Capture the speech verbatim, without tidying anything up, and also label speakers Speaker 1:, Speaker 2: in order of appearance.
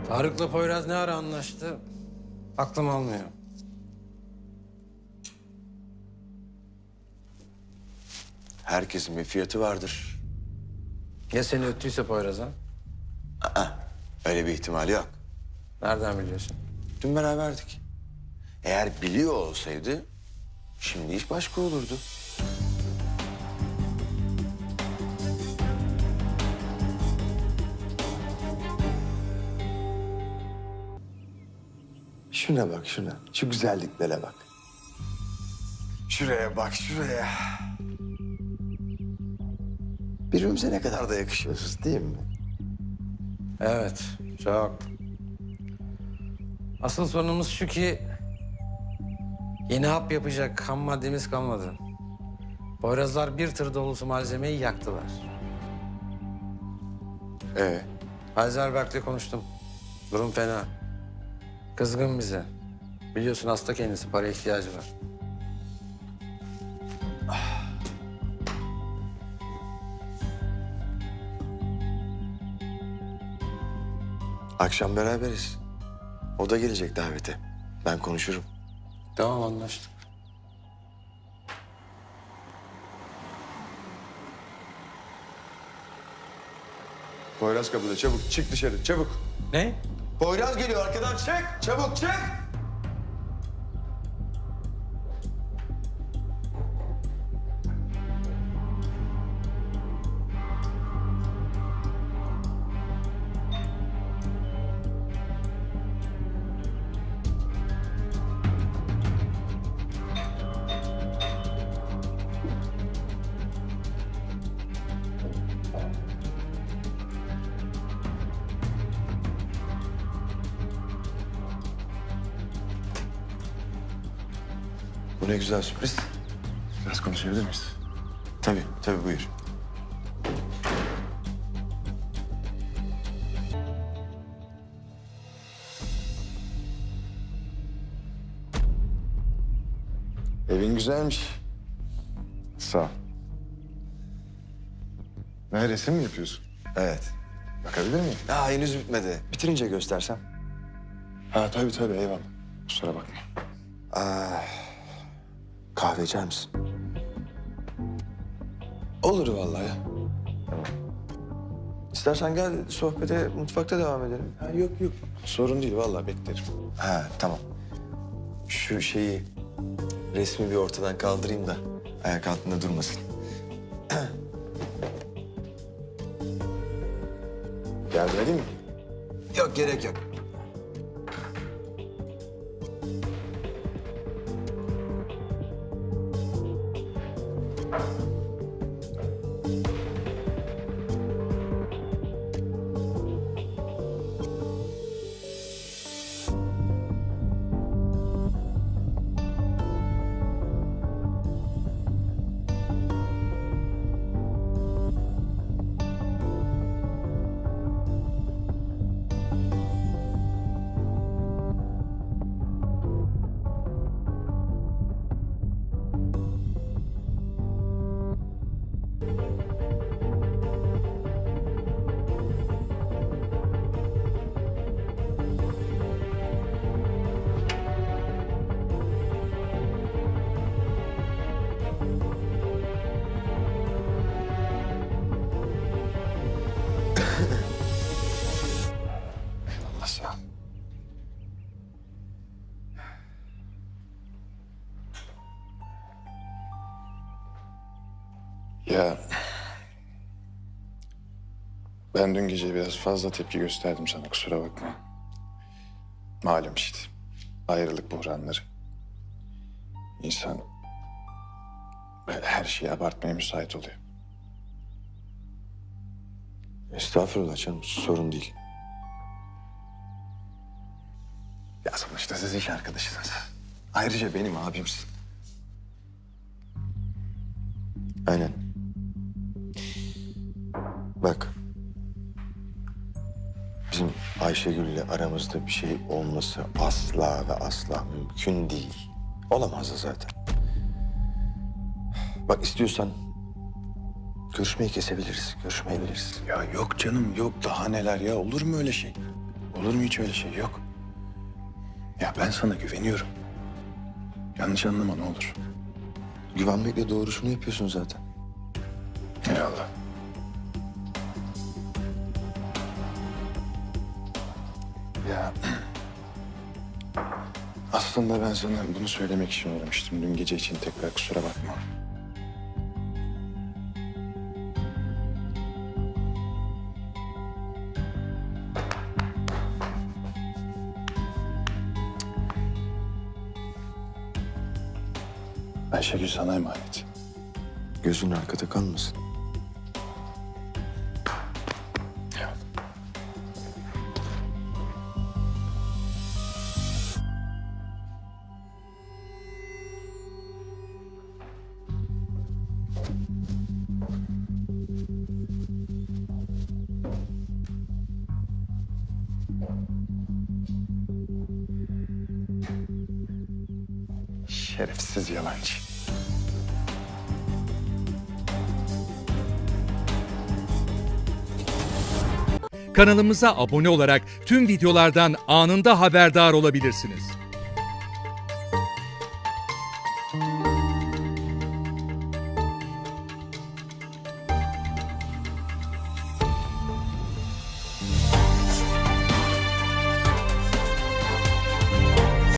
Speaker 1: Tarık'la Poyraz ne ara anlaştı? Aklım almıyor.
Speaker 2: Herkesin bir fiyatı vardır.
Speaker 1: Ya seni öttüyse Poyraz'a?
Speaker 2: Öyle bir ihtimal yok.
Speaker 1: Nereden biliyorsun?
Speaker 2: Dün beraberdik. Eğer biliyor olsaydı şimdi iş başka olurdu. Şuna bak şuna. Şu güzelliklere bak. Şuraya bak şuraya. Birbirimize ne kadar da yakışıyoruz değil mi?
Speaker 1: Evet, çok. Asıl sorunumuz şu ki... yeni hap yapacak ham maddemiz kalmadı. Poyrazlar bir tır dolusu malzemeyi yaktılar.
Speaker 2: Ee,
Speaker 1: Heizelberg'le konuştum. Durum fena. Kızgın bize. Biliyorsun hasta kendisi, para ihtiyacı var.
Speaker 2: akşam beraberiz. O da gelecek davete. Ben konuşurum.
Speaker 1: Tamam, anlaştık.
Speaker 2: Poyraz kapıda çabuk çık dışarı çabuk.
Speaker 1: Ne?
Speaker 2: Poyraz geliyor arkadan çık çabuk çık. Bu ne güzel sürpriz.
Speaker 3: Biraz konuşabilir miyiz?
Speaker 2: Tabii, tabii buyur.
Speaker 3: Evin güzelmiş. Sağ ol. Ne, resim mi yapıyorsun?
Speaker 2: Evet.
Speaker 3: Bakabilir miyim?
Speaker 2: Daha henüz bitmedi. Bitirince göstersem.
Speaker 3: Ha tabii tabii, eyvallah. Kusura bakma.
Speaker 2: Kahve içer misin?
Speaker 3: Olur vallahi.
Speaker 2: İstersen gel sohbete mutfakta devam edelim.
Speaker 3: Ha, yok yok. Sorun değil vallahi, beklerim.
Speaker 2: Ha tamam. Şu şeyi, resmi bir ortadan kaldırayım da ayak altında durmasın.
Speaker 3: Yardım edeyim mi?
Speaker 2: Yok gerek yok.
Speaker 3: Allah sağ ol. Ya... Ben dün gece biraz fazla tepki gösterdim sana, kusura bakma. Malum işte. Ayrılık buhranları. İnsan böyle her şeyi abartmaya müsait oluyor.
Speaker 2: Estağfurullah canım, sorun değil.
Speaker 3: Ya sonuçta siz iş arkadaşısınız. Ayrıca benim abimsin.
Speaker 2: Aynen. Bak. Bizim Ayşegül'le aramızda bir şey olması asla ve asla mümkün değil. Olamaz da zaten. Bak istiyorsan görüşmeyi kesebiliriz, görüşmeyebiliriz.
Speaker 3: Ya yok canım yok, daha neler ya, olur mu öyle şey? Olur mu hiç öyle şey? Yok. Ya ben sana güveniyorum. Yanlış anlama ne olur.
Speaker 2: Güvenmekle doğrusunu yapıyorsun zaten.
Speaker 3: Eyvallah. Ya aslında ben sana bunu söylemek için uğramıştım. Dün gece için tekrar kusura bakma. Ayşegül sana emanet.
Speaker 2: Gözün arkada kalmasın.
Speaker 3: Eyvallah. Şerefsiz yalancı.
Speaker 4: Kanalımıza abone olarak tüm videolardan anında haberdar olabilirsiniz.